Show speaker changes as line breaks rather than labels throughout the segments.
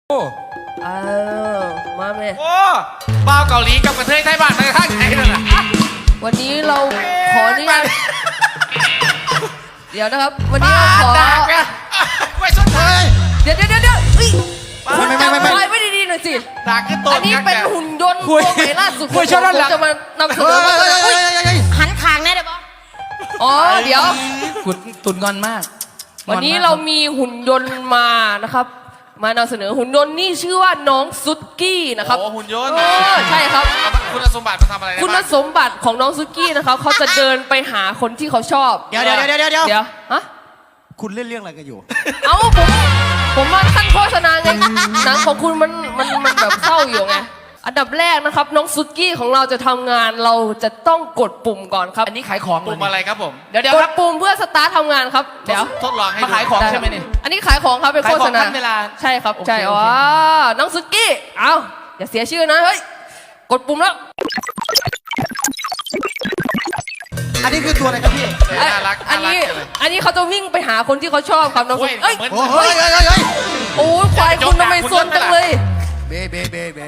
โอ้
มาแม่
โอ้บ้าวเกาหลีกับกระเทยไทยบ้านในข้างไหนนั่นน่ะ
วันนี้เราขอนี่เดี๋ยวนะครับ วันนี้เราขอ
ดากเนี่ยไม่สนใจ
เดี๋ยวคุณจำไว้ไม่ดีๆหน่อยสิ
ดากคือตัว
อันนี้เป็นหุ่นยนต์ตัวใหม่ล่าสุด
คุยชอบด้านหลัง
จะมานำเสนอมา
หันขางแน่เดี๋ยวบอก
อ๋อเดี๋ยว
กุดตุนงอนมาก
วันนี้เรามีหุ่นยนต์มานะครับ มานำเสนอหุ่นยนต์นี่ชื่อว่าน้องซุกี้นะครับ
โอ้หุ่นยนต์
ใช่ครับ
คุณสมบัติมาทำอะไรได้
คุณ
บ้าง
สมบัติของน้องซุกี้นะครับเขาจะเดินไปหาคนที่เขาชอบ
เดี๋ยว
ฮะ
คุณเล่นเรื่องอะไรกันอยู่
เอ้าผมมาขั้นโฆษณาไงหนังของคุณมันแบบเศร้าอยู่ไงอันดับแรกนะครับน้องซุกี้ของเราจะทำงานเราจะต้องกดปุ่มก่อนครับ
อันนี้ขายของ
ปุ่มอะไรครับผม
เดี๋ยว
ก
ค
ด
รับ
ปุ่มเพื่อสตาร์ททำงานครับเดี๋ยว
ทดลองให้
มา
ดู
ขายของใช่ไหมเนี่ย
อันนี้ขายของครับเป็นโฆษณา
ขายของขั้นเวลา
ใช่ครับ
โอเค
ใช่
โอเค
ว้าน้องซุกี้เอาอย่าเสียชื่อนะเฮ้ยกดปุ่มแล้ว
อันนี้คือตัวอะไรครับพี่
น่ารัก
อันนี้
จังเลย
อันนี้เขาจะวิ่งไปหาคนที่เขาชอบครับน้องซุกี้เอ้ย
เหมือน
โอ้ยเฮ้ย
โอ้ยควายคุณทำไมซนจังเลย
เบ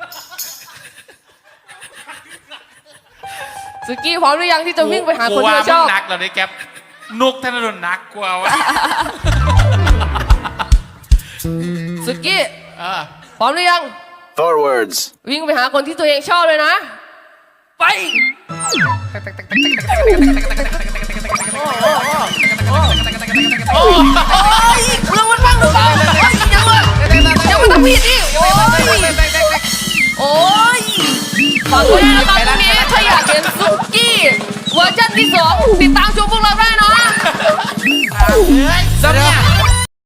ซุกี้พร้อมหรือยังที่จะวิ่งไปหาคนที่เขาชอบ
กูว่ามึงหนักเหรอเนี่ยแก๊ปนุกธนดลหนักกว่าวะ
ซุกี้
เออ
พร้อมหรือยัง
Forwards.
วิ่งไปหาคนที่ตัวเองชอบเลยนะ ไปโอ้ยเรื่องมันบ้างหรือเปล่ายังมาทำผิดดิโอ้ยฝากด้วยนะครับตรงนี้ถ้าอยากเห็นซุกี้เวอร์ชันที่ 2 ติดตามชมพวกเราได้นะ
ซัมเนี่ย